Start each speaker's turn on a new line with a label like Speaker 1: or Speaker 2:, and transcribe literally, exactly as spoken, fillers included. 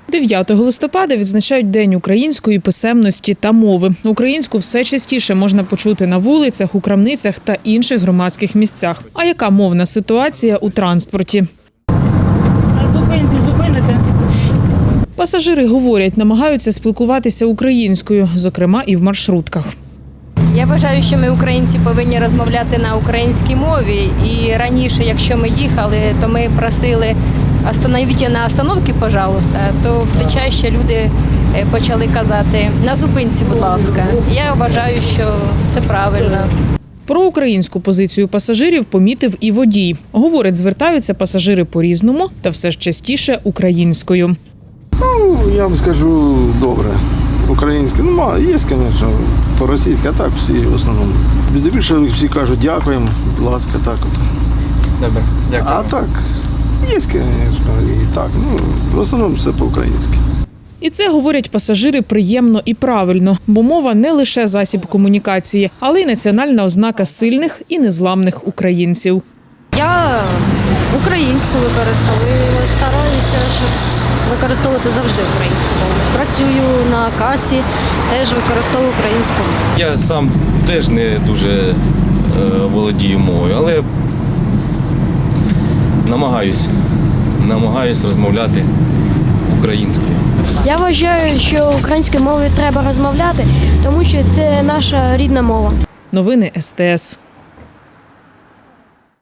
Speaker 1: дев'ятого листопада відзначають День української писемності та мови. Українську все частіше можна почути на вулицях, у крамницях та інших громадських місцях. А яка мовна ситуація у транспорті?
Speaker 2: На зупинці зупините.
Speaker 1: Пасажири говорять, намагаються спілкуватися українською, зокрема і в маршрутках.
Speaker 3: Я вважаю, що ми, українці, повинні розмовляти на українській мові. І раніше, якщо ми їхали, то ми просили «Остановіть на остановці, пожалуйста», то все чаще люди почали казати «на зупинці, будь ласка». Я вважаю, що це правильно.
Speaker 1: Про українську позицію пасажирів помітив і водій. Говорить, звертаються пасажири по-різному та все ж частіше українською.
Speaker 4: Ну, я вам скажу, добре. Українське, ну, мало, є, звісно, по-російськи, а так всі в основному. Більше всі кажуть дякуємо, будь ласка, так от.
Speaker 5: Добре, дякую.
Speaker 4: А так, є, звісно, і так, ну, в основному все по-українськи.
Speaker 1: І це, говорять пасажири, приємно і правильно, бо мова не лише засіб комунікації, але й національна ознака сильних і незламних українців.
Speaker 6: Я українську використовую, стараюся, щоб використовувати завжди українську мову. Працюю на касі, теж використовую українську мову.
Speaker 5: Я сам теж не дуже е, володію мовою, але намагаюсь, намагаюсь розмовляти українською.
Speaker 7: Я вважаю, що українською мовою треба розмовляти, тому що це наша рідна мова.
Speaker 1: Новини ес те ес.